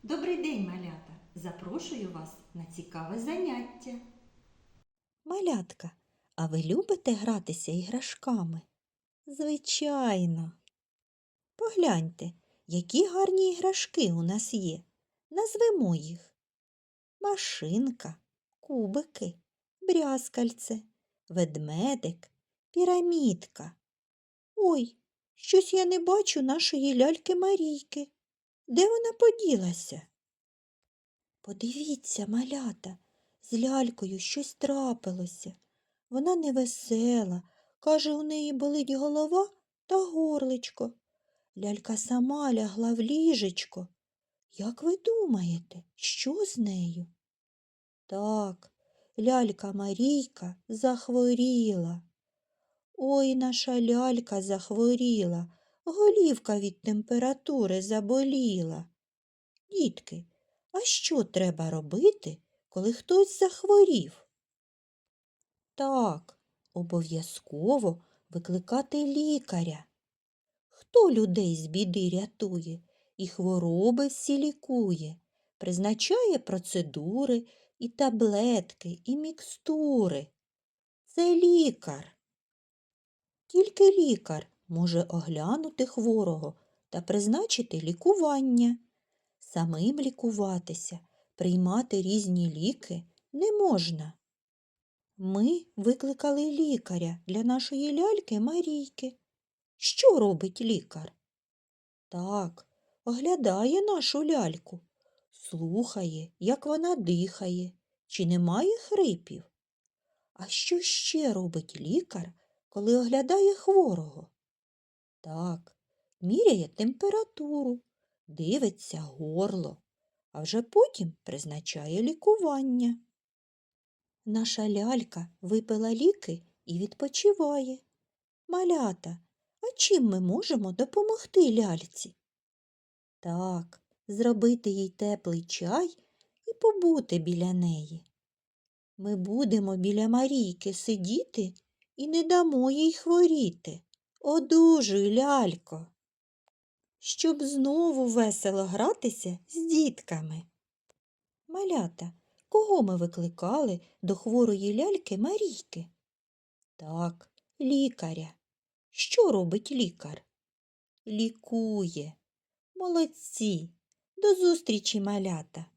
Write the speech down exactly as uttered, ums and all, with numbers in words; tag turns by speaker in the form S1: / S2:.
S1: Добрий день, малята! Запрошую вас на цікаве заняття.
S2: Малятка, а ви любите гратися іграшками? Звичайно. Погляньте, які гарні іграшки у нас є. Назвемо їх. Машинка, кубики, брязкальце, ведмедик, пірамідка. Ой, щось я не бачу нашої ляльки Марійки. Де вона поділася? Подивіться, малята, з лялькою щось трапилося. Вона невесела, каже, у неї болить голова та горличко. Лялька сама лягла в ліжечко. Як ви думаєте, що з нею? Так, лялька Марійка захворіла. Ой, наша лялька захворіла, голівка від температури заболіла. Дітки, а що треба робити, коли хтось захворів? Так, обов'язково викликати лікаря. Хто людей з біди рятує і хвороби всі лікує, призначає процедури і таблетки, і мікстури. Це лікар. Тільки лікар може оглянути хворого та призначити лікування. Самим лікуватися, приймати різні ліки не можна. Ми викликали лікаря для нашої ляльки Марійки. Що робить лікар? Так, оглядає нашу ляльку, слухає, як вона дихає, чи немає хрипів. А що ще робить лікар, коли оглядає хворого? Так, міряє температуру, дивиться горло, а вже потім призначає лікування. Наша лялька випила ліки і відпочиває. Малята, а чим ми можемо допомогти ляльці? Так, зробити їй теплий чай і побути біля неї. Ми будемо біля Марійки сидіти і не дамо їй хворіти. Одужуй, лялько! Щоб знову весело гратися з дітками. Малята, кого ми викликали до хворої ляльки Марійки? Так, лікаря. Що робить лікар? Лікує. Молодці. До зустрічі, малята!